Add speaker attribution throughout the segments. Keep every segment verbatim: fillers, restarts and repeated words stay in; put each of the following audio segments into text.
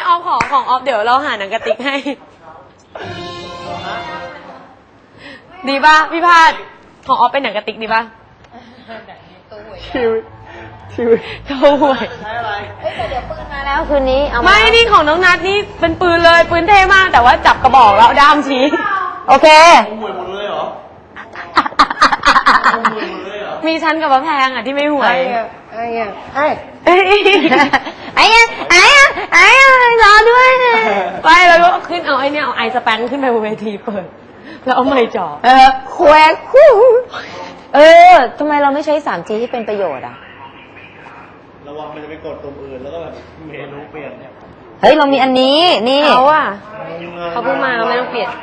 Speaker 1: ออฟขอของออฟเดี๋ยวเราหาหนังกระติกให้ดีป่ะพี่พาดของออฟเป็นหนังกระติกดีป่ะชิวชิวโถ่ห่วยใช้อะไรเฮ้ยแต่เดี๋ยวปืนมาแล้วคืนนี้เอาไม่นี่ของน้องนัทนี่เป็นปืนเลยปืนเท่มากแต่ว่าจับกระบอกแล้วด้ามชี้โอเคห่วยหมดเลยเหรอมีชั้นกับพระแพงอ่ะที่ไม่ห่วยไอ้ไอ้ไอ้ไอ้ไอ้ไอ้รอด้วยไปแล้วก็ขึ้นเอาไอ้เนี่ยเอาไอสแปงขึ้นไปบนเวทีเปิดแล้วเอาไม้จ่อเออแควกคู่เออทำไมเราไม่ใช้ สามจี ที่เป็นประโยชน์อ่ะ
Speaker 2: ระวังมันจะไปกดตรงอื่นแล้วก็แบบเมนูเปลี่ยนเนี่ย
Speaker 1: เฮ้ยเรามีอันนี้นี่เขาอ่ะเขาเพิ่งมาเราไม่ต้องเปลี่ยน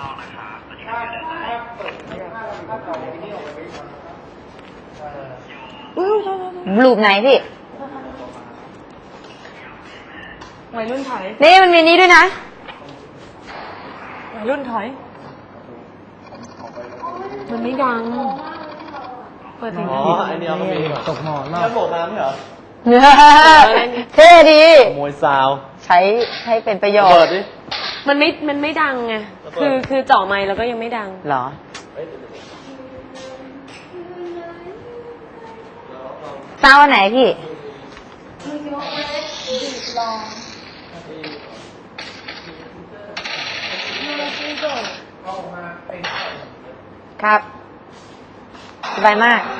Speaker 1: รูปไหนพี่วัยรุ่นถอยนี่มันมีนี้ด้วยนะวัยรุ่นถอยมันไม่ดังเปิดเพลงอ๋อ
Speaker 2: อันนี้มันมีตกหมอนแล้วโบกน้ำเหรอ
Speaker 1: เท่ดี
Speaker 2: มวยซาว
Speaker 1: ใช้ให้เป็นประโยชน์มันไม่มันไม่ดังไงคือคือจ่อไมค์แล้วก็ยังไม่ดังหรอซาวอันไหนพี่ครับสบายมาก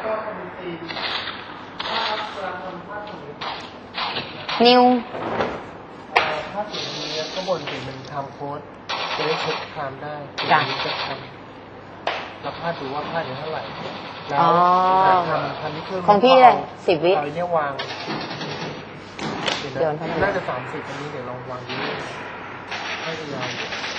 Speaker 1: นิว
Speaker 2: ถ้าถึงนี้ก็บนถึงมันทำโค้ดจะได้เช็คไทม์ได้
Speaker 1: จ้ะ
Speaker 2: จะทำแล้วพลาดดูว่าพลาดอยู่เท่าไหร่แล้วทำทำนี่เพิ่ม
Speaker 1: ของพี่เลยสิบวิ
Speaker 2: เราเนี่ยวางเดี๋ยวน่าจะสามสิบอันนี้เดี๋ยวลองวางดูให้ยาว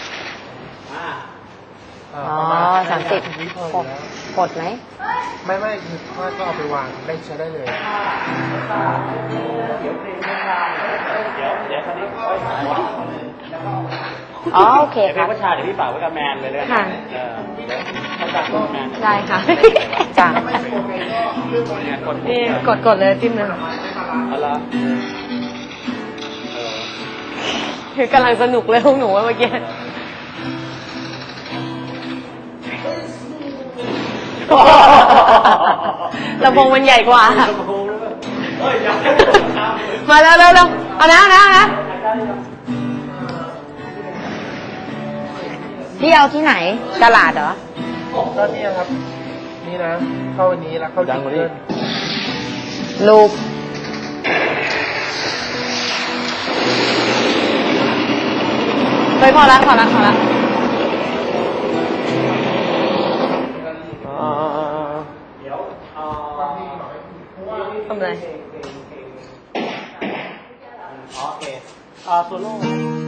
Speaker 1: อ๋อสามสิบกดไหม
Speaker 2: ไม่ไม่คือถ้าก็เอาไปวางได้ใช้ได้เลยเดี๋ยวเดี๋ยวเดี๋ยวคราวนี้
Speaker 1: อ๋อโอเคครับ
Speaker 2: เดี๋ยวพี่ประชาเดี๋ยวพี่ฝากไว้กับแมนเลยเลย
Speaker 1: ค่ะ
Speaker 2: เขาจัดแมน
Speaker 1: ได้ค่ะจ้ะนี่กดกดเลยจิ้มนะ
Speaker 2: เอาละ
Speaker 1: คือกำลังสนุกเลยพวกหนูว่าเมื่อกี้ลำโพงมันใหญ่กว่ามาแล้วเร็วเร็วเอานะเอานะเอานะพี่เอาที่ไหนตลาดเหรอ
Speaker 2: ก็นี่ครับนี่นะเข้าวันนี้แล้วเข้าจิงเกิล
Speaker 1: ลูกไปพอละพอละพอละทำอะไร
Speaker 2: โอเคอ่าโซโล่